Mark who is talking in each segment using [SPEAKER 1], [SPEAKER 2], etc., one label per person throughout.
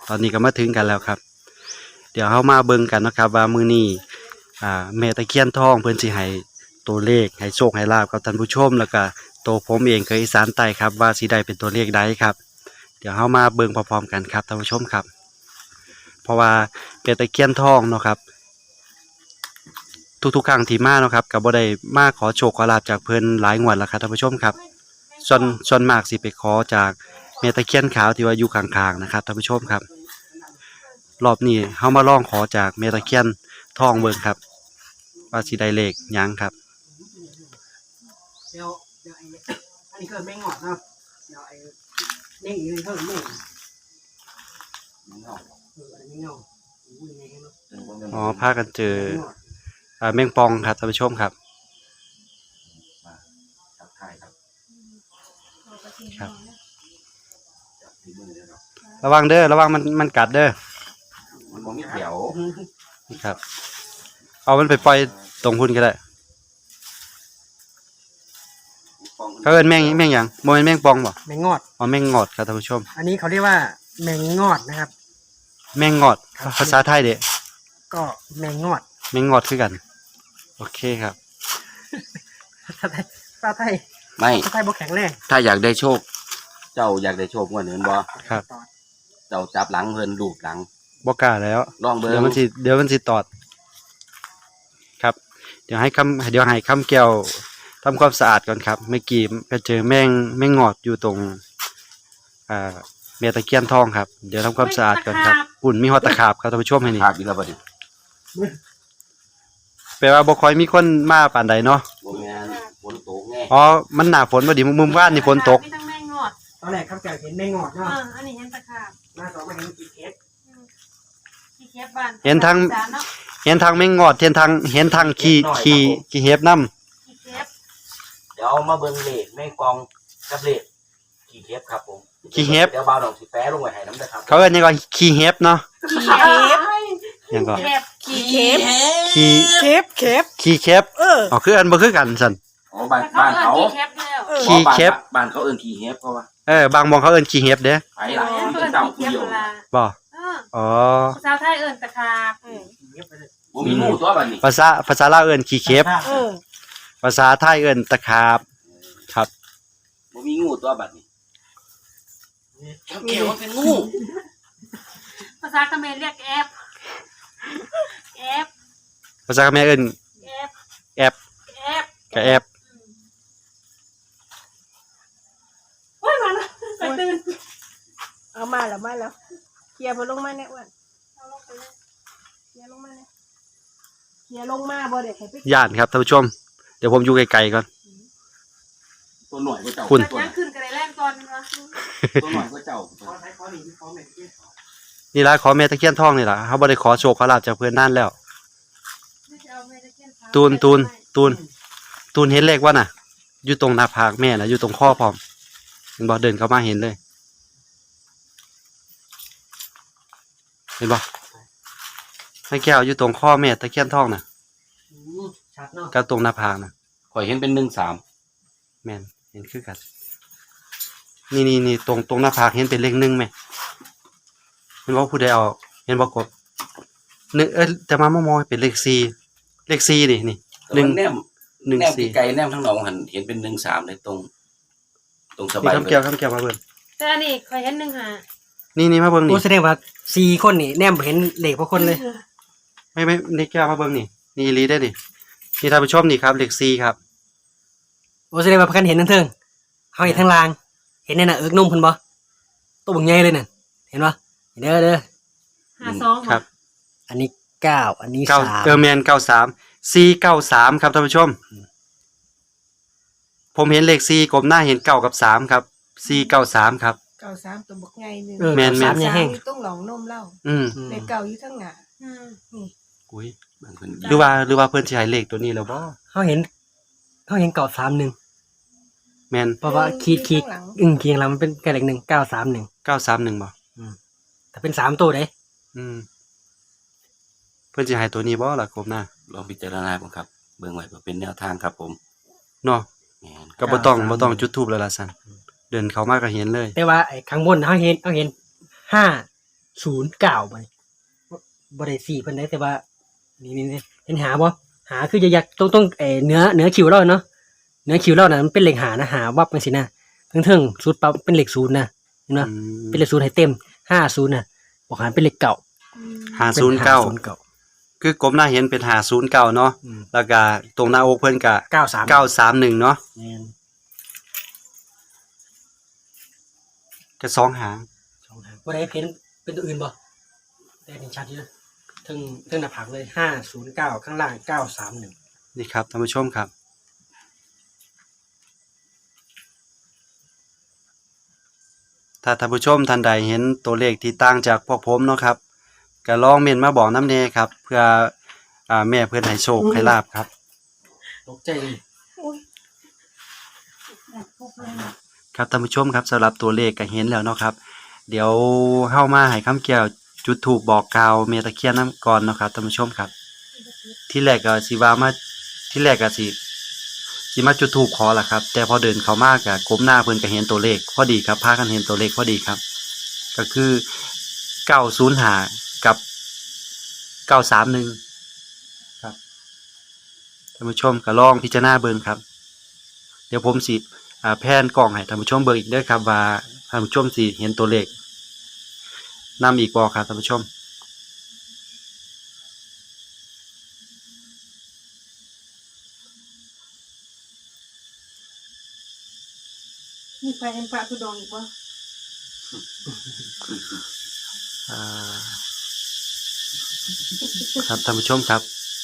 [SPEAKER 1] ตอนนี้ก็มาถึงกันแล้วครับเดี๋ยวเฮามาเบิ่งกันนะครับว่ามื้อนี้แม่ตะเคียนทองเพิ่นสิให้ตัวเลขให้โชคให้ลาภกับท่านผู้ชมแล้วก็ตัวผมเองเคยอีสานใต้ครับว่าสิได้เป็นตัวเลขใดครับเดี๋ยวเฮามาเบิ่งพร้อมๆกันครับท่านผู้ชมครับเพราะว่าแม่ตะเคียนทองเนาะครับทุกๆครั้งที่มาเนาะครับก็บ่ได้มาขอโชคขอลาภจากเพิ่นหลายงวดแล้วครับท่านผู้ชมครับส่วนมากสิไปขอจากแม่ตะเคียนขาวที่ว่าอยู่ข้างๆนะครับท่านผู้ชมครับรอบนี้เฮามาลองขอจากแม่ตะเคียนทองเบิ่งครับว่าสิได้เลขหยังครับ
[SPEAKER 2] เดี๋ยวอันนี้ก็แม่งงอดเนาะเดี๋ยวไอ้เน่งอยู่เพิ่มเน่งอันนี้เงา
[SPEAKER 1] อ๋อพากันเจอแมงปองครับท่านผู้ชมครับครับระวังเด้อระวังมันกัดเด้อ
[SPEAKER 3] มันมองไม่เขียว
[SPEAKER 1] นี่ครับเอามันไปปล่อยตรงพุ่นก็ได้เขาเอิ้นแมงหยังบ่แม่นแมงปองบ่
[SPEAKER 2] แมงงอด
[SPEAKER 1] อ๋อแมงงอดครับท่านผู้ชม
[SPEAKER 2] อันนี้เขาเรียกว่าแมงงอดนะครับ
[SPEAKER 1] แมงงอดภาษาไทยเด้
[SPEAKER 2] ก็แมงงอด
[SPEAKER 1] แมงงอดคือกันโอเคครับ
[SPEAKER 2] ภาษาไทย
[SPEAKER 3] ไม่
[SPEAKER 2] ภาษาไทยบ่แข็งแรง
[SPEAKER 3] ถ้าอยากได้โชคเจ้าอยากได้โชคงวดนี้บ่
[SPEAKER 1] ครับ
[SPEAKER 3] เจ้าจับหลังเพิ่นลูบหลัง
[SPEAKER 1] บ่กล้าแล้ว
[SPEAKER 3] ลองเบิ่ง
[SPEAKER 1] เดี๋ยวมันสิตอดครับเดี๋ยวให้คำแก้วทำความสะอาดก่อนครับเมื่อกี้ก็เจอแมงงอดอยู่ตรงแม่ตะเคียนทองครับเดี๋ยวทำความสะอาดก่อนครับปุ่นมีฮอตตะขาบครับท่านผู้ชมให้นี่
[SPEAKER 3] ขาบอีกแล้วบัดนี้
[SPEAKER 1] แปลว่าบ่ค่อยมีคนมาปานใดเนาะ
[SPEAKER 3] บ่แม่นฝนตกแน่
[SPEAKER 1] อ๋อมันหน้าฝนพอดีมุมบ้านนี่ฝนตก
[SPEAKER 2] ตอนแรกครับแกเห็นแมงงอดเนาะ
[SPEAKER 4] อันนี้เห็นตะขาบ
[SPEAKER 2] หน้าสองมาเห็นกี่เคส
[SPEAKER 4] บ้าน
[SPEAKER 1] เห็นทางแมงงอดเห็นทางขี้เห็บนำ
[SPEAKER 3] เดี๋ยวมาเบิ่งเลขแม่งกองกับเลขขี้เห็บครับผม
[SPEAKER 1] ขี้เห็บ
[SPEAKER 3] เดี๋ยวบ่าวดอกสิแปะลงไว้ให้นำเด้อครับ
[SPEAKER 1] เขาเอิ้นหยังก็ขี้เห็บเนาะ
[SPEAKER 4] ขี้เข็บ
[SPEAKER 1] หยังก็
[SPEAKER 4] ขี้เข็บ
[SPEAKER 1] ขี้เข็บอ๋อคืออันบ่คือกันซั่น
[SPEAKER 3] อ๋อบ้านเขา
[SPEAKER 1] ขี้เข็บ
[SPEAKER 3] บ้านเขาเอิ้นขี้เห็บเพราะว่า
[SPEAKER 1] บางหม้องเขาเอิ้นขี้เห็บเด้
[SPEAKER 3] ไปล่ะเจ้าผู้เดียว
[SPEAKER 1] บ่อ๋อ
[SPEAKER 4] ภาษาไทยเอิ้นตะขาบ
[SPEAKER 3] บ่มีงูตัวบัดนี้
[SPEAKER 1] ภาษาลาวเอิ้นขี้เข็บภาษาไทยเอิ้นตะขาบครับ
[SPEAKER 3] บ่มีงูตัวบัดนี้เกี่ยวมันเป็นงู
[SPEAKER 4] ภาษาเขมรเรียกแอบ
[SPEAKER 1] ภาษาเขมรเอิ้นแอบกะแอบ
[SPEAKER 4] โอ้ยมาแล้วไปตื่น
[SPEAKER 5] เอามาแล้วเคลียร์ลงมาเนี่ยอ้วนเคลียร์ลงมาเนี่ยเคลียร์ลงมาบ่เด็กให้ไป
[SPEAKER 1] ย่านครับท่านผู้ชมเดี๋ยวผมอยู่ไกลๆก่อน
[SPEAKER 3] ตัวหน่อยก็เจ้า
[SPEAKER 1] คุณ
[SPEAKER 4] ยังขึ้นกันได้แรงก่อนวะ
[SPEAKER 3] ตัวหน่อยก็เจ้า
[SPEAKER 1] นี่ล่ะขอแม่ตะเคียนทองนี่ล่ะเฮาบ่ได้ขอโชคขอลาภจากเพิ่นนานแล้วตูนเห็นเลขว่าน่ะอยู่ตรงหน้าผากแม่น่ะอยู่ตรงข้อพร้อมเห็นบ่เดินเข้ามาเห็นเลยเห็นบ่แม่แก้วอยู่ตรงข้อแม่ตะเคียนทองน่ะ
[SPEAKER 2] ชัดเนาะ
[SPEAKER 1] กับตรงหน้าผากน่ะ
[SPEAKER 3] ข่อยเห็นเป็น13
[SPEAKER 1] แม่นเห็นคือกันนี่ตรงหน้าผากเห็นเป็นเลข1แม่เห็นบ่ผู้ใดเอาเห็นบ่กบ1แต่มามองเป็นเลข4นี่1
[SPEAKER 3] 4ไกลแนมทั้งหนองหันเห็นเป็น13เลยตรงสบาย
[SPEAKER 1] คำแก้วมาเบิ่ง
[SPEAKER 4] แต่อันนี้เคยเห็น1
[SPEAKER 1] นี่มาเบิ่งนี่
[SPEAKER 2] โอ้แสดงว่า4คนนี่แนมเห็นเลขพวกคนเลย
[SPEAKER 1] ไม่นี่แก้วมาเบิ่งนี่อีหลีได้ดินี่ท่านผู้ชมนี่ครับเลข4ครับ
[SPEAKER 2] โอ้แสดงว่าเพิ่นเห็นทั้งเทิงเฮาเห็นทั้งล่างเห็นในน่ะเอิกนุ่มเพิ่นบ่ตัวบักใหญ่เลยนั่นเห็นบ่เด้อ
[SPEAKER 4] 52
[SPEAKER 1] ครับ
[SPEAKER 2] อันนี้9อันนี้
[SPEAKER 1] 3แม่น93 493ครับท่านผู้ชมผมเห็นเลข4กลมหน้าเห็น9กับ3ครับ493ครับ
[SPEAKER 5] 93ตัวบักใหญ่นึง
[SPEAKER 1] แม่น
[SPEAKER 5] อยู่ตรงหลองนมเล่าเลขเก่าอยู่ทางหน้า
[SPEAKER 1] นี่อุ้ยหรือว่าเพิ่นสิให้เลขตัวนี้แล้วบ่
[SPEAKER 2] เฮาเห็น931
[SPEAKER 1] แม่น
[SPEAKER 2] เพราะว่าขีดเคียงหลังมันเป็นเลข1 931
[SPEAKER 1] บ่
[SPEAKER 2] แต่เป็น3ตัวเด้
[SPEAKER 1] เพิ่นสิให้ตัวนี้บ่ล่ะกบหน้า
[SPEAKER 3] ลองพิจารณาบ่ครับเบิ่งไว้เพื่อเป็นแนวทางครับผม
[SPEAKER 1] เนาะก็บ่ต้องจุดธูปแล้วล่ะซั่นเดินเข้ามาก็เห็นเลย
[SPEAKER 2] แต่ว่าไอ้ข้างบนเฮาเห็น5 09บ่ได้4เพิ่นได้แต่ว่านี่เห็นหาบ่หาคือจะยักต้องเนื้อคิวเราเนาะเนื้อคิวเราน่ะมันเป็นเลขหานะหาวับจังซี่นะถึงสุดปั๊บเป็นเลข0นะเห็นบ่เป็นเลข0ให้เต็ม50น่ะบอกหารเป็นเลขเก่า
[SPEAKER 1] 509คือกลมหน้าเห็นเป็น509เนาะแล้วก็ตรงหน้าอกเพิ่นก็
[SPEAKER 2] 93
[SPEAKER 1] 931เนาะ
[SPEAKER 2] แม่น
[SPEAKER 1] ก็2หาง
[SPEAKER 2] 2หางบ่ได้เห็นเป็นตัวอื่นบ่ได้เห็นชัดอยู่นะถึงหน้าผากเลย509ข้างล่าง931
[SPEAKER 1] นี่ครับท่านผู้ชมครับถ้าท่านผู้ชมท่านใดเห็นตัวเลขที่ต่างจากพวกผมเนาะครับก็ลองเมนมาบอกน้ำเนครับเพื่อแม่เพื่อนให้โชคให้ลาบครับ
[SPEAKER 2] ตกใจเลย
[SPEAKER 1] ครับท่านผู้ชมครับสำหรับตัวเลขก็เห็นแล้วเนาะครับเดี๋ยวเข้ามาให้คำเกี่ยวจุดถูกบอกกล่าวเมตะเคียนน้ำก่อนเนาะครับท่านผู้ชมครับที่แรกก็สิว่ามาที่แรกก็สิมาจุดถูกขอล่ะครับแต่พอเดินเข้ามาก็ก้มหน้าเพิ่นก็เห็นตัวเลขพอดีครับพากันเห็นตัวเลขพอดีครับก็คือ905กับ931ครับท่านผู้ชมก็ลองพิจารณาเบิ่งครับเดี๋ยวผมสิแพนกล้องให้ท่านผู้ชมเบิ่งอีกเด้อครับว่าท่านผู้ชมสิเห็นตัวเลขนำอีกบ่ครับท่านผู้ชม
[SPEAKER 5] มีไฟแอมปะทุดองอีกบ่
[SPEAKER 1] อ่าครับท่านผู้ชมครับ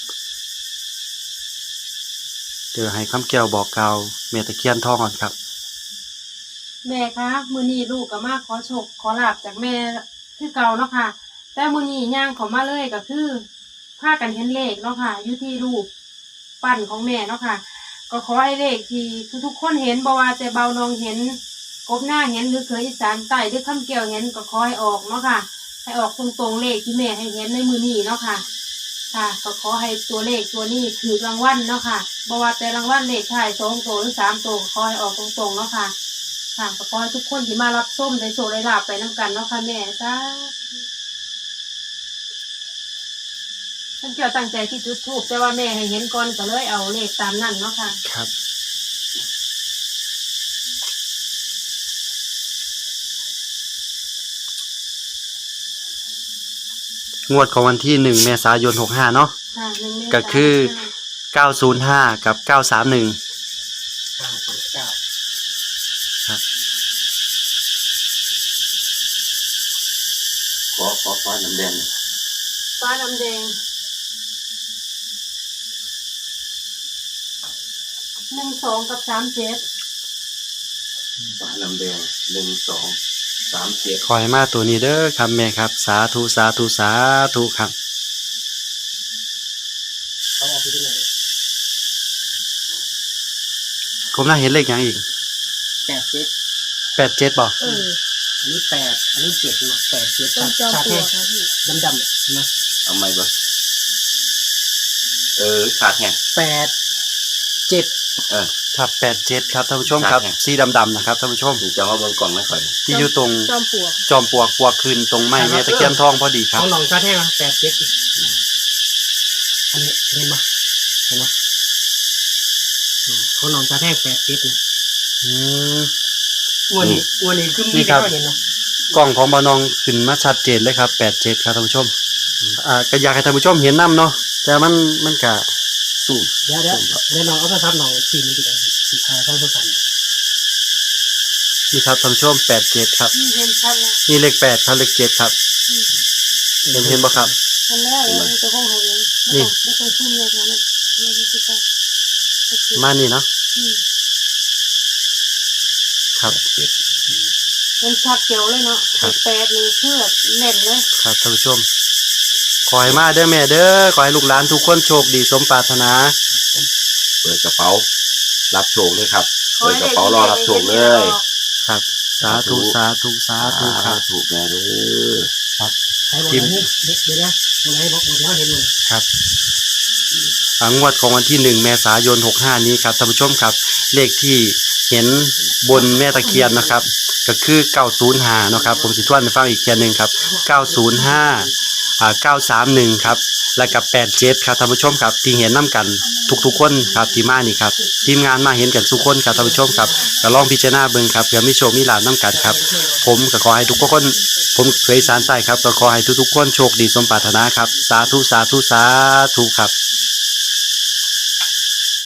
[SPEAKER 1] เดี๋ยวให้คำแก้วบอกกล่าวเมตะเคียนทองก่อนครับ
[SPEAKER 4] แม่คะมื้อนี้ลูกก็มาขอโชคขอลาบจากแม่คือเก่าเนาะค่ะแต่มื้อนี้ย่างเขามาเลยก็คือพากันเห็นเลขเนาะค่ะอยู่ที่รูปปั้นของแม่เนาะค่ะก็ขอให้เลขที่ทุกๆคนเห็นบ่ว่าแต่เบาน้องเห็นกบหน้าเห็นหรือเคยอีสานใต้หรือคำแก้วเห็นก็ขอให้ออกเนาะค่ะให้ออกตรงๆเลขที่แม่ให้เห็นในมื้อนี้เนาะค่ะค่ะก็ขอให้ตัวเลขตัวนี้ถูกรางวัลเนาะค่ะบ่ว่าแต่รางวัลเลขท้าย2ตัวหรือ3ตัวขอให้ออกตรงๆเนาะค่ะค่ะก็ขอให้ทุกคนที่มารับส้มได้โชคได้ลาภไปนํกันเนาะค่ะแม่จ้าท่านเจ้าตั้งใจที่จุดธูปแต่ว่าแม่ให้เห็นก่อนก็เลยเอาเลขตามนั้นเนาะค่ะ
[SPEAKER 1] ครับงวดของวันที่1 เมษายน 65เนาะ
[SPEAKER 4] ค่ะหนึ่งเมษายน
[SPEAKER 1] ก็คือ 905 กับ 931
[SPEAKER 2] 909
[SPEAKER 1] ครับ
[SPEAKER 3] ขอน้ำแดง
[SPEAKER 4] ฟ้าดำแดง12 กับ 37
[SPEAKER 3] ฟ้าน้ำแดง1237
[SPEAKER 1] ขอให้มาตัวนี้เด้อครับแม่ครับสาธุสาธุสาธุครับ
[SPEAKER 2] เขาเอาไปที่ไหน
[SPEAKER 1] ผมน่าเห็นเลขอย่างอีก
[SPEAKER 2] 87
[SPEAKER 1] 87บ่
[SPEAKER 5] เออ
[SPEAKER 2] อันนี้8อันนี้7เนาะ87
[SPEAKER 5] ต้นจอมปลวกค่ะพี่
[SPEAKER 2] ดำๆเนี่ยเห็นไหม
[SPEAKER 3] เอาไหมบ่ขาดแห้ง
[SPEAKER 2] 8 7
[SPEAKER 1] ครับ87ครับท่านผู้ชมครับ
[SPEAKER 3] ครับ
[SPEAKER 1] สีดำๆนะครับท่านผู้ชม
[SPEAKER 3] ถึงจะมาเบิ่งกล่องไม่ค่อย
[SPEAKER 1] ที่อยู่ตรง
[SPEAKER 5] จอมปลวก
[SPEAKER 1] จอมปลวกปลวกคืนตรงไม้แม่ตะเคียนทองพอดีค
[SPEAKER 2] ข
[SPEAKER 1] รับ
[SPEAKER 2] องหนองชาแท้มา87อันนี้เห็นไหมของหนองชาแท้87นะ
[SPEAKER 1] อืม
[SPEAKER 2] อ้วนนี่คือ
[SPEAKER 1] นี่ครับ
[SPEAKER 2] เห็นนะ
[SPEAKER 1] กล้องของบานองขึ้นมาชัดเจนเลยครับ87ครับท่านผู้ชมก็อยากให้ท่านผู้ชมเห็นน้ำเนาะแต่มันก็
[SPEAKER 3] สู้
[SPEAKER 2] เดี๋ยวน้องเอาโทรศัพท์น้องทีมนี้ดีกว่าสิถ่ายท่านผู้ชม
[SPEAKER 1] นี่ครับท่านผู้ชม87ครับ
[SPEAKER 4] เห็นชัดแล้ว
[SPEAKER 1] นี่เลข8ครับเลข7ครับเห็นบ่ครับ
[SPEAKER 4] เห็นแล้วเลยตัวของเขาเอง
[SPEAKER 1] นี่
[SPEAKER 4] ไม่ต้องซุ่มเลยค่ะนี่ไม่ต้องซุ่ม
[SPEAKER 1] มานี่เนาะครับ
[SPEAKER 4] เป็นชัดเกี่ยวเลยเนาะ
[SPEAKER 1] ครับ
[SPEAKER 4] 8นี่คือแบบแน่นเลย
[SPEAKER 1] ครับท่านผู้ชมขอให้มาเด้อแม่เด้อขอให้ลูกหลานทุกคนโชคดีสมปรารถนา
[SPEAKER 3] เปิดกระเป๋ารับโชคเลยครับเปิดกระเป๋ารอรับโชคเลย
[SPEAKER 1] ครับสาธุสาธุสาธุครับ
[SPEAKER 3] ถูกแม่เด้อ
[SPEAKER 1] ครับ
[SPEAKER 2] ให้บอกอันนี้เดี๋ยวนะตรงไหนบอกเดี๋ยวเห็นเลย
[SPEAKER 1] ครับงวดของวันที่1 เมษายน 65นี้ครับท่านผู้ชมครับเลขที่เห็นบนแม่ตะเคียนนะครับก็คือ905นะครับผมสิทวนให้ฟังอีกเทียนึงครับ905931ครับแล้วก็87ครับท่านผู้ชมครับที่เห็นนํกันทุกๆคนครับที่มานี่ครับทีมงานมาเห็นกันทุกคนครับท่านผู้ชมครับก็ลองพิจารณาเบิ่งครับเผื่อมีโชคมีลาภนํกันครับผมก็ขอให้ทุกคนผมเคยสารใต้ครับก็ขอให้ทุกๆคนโชคดีสมปรารถนาครับสาธุสาธุสาธุครับ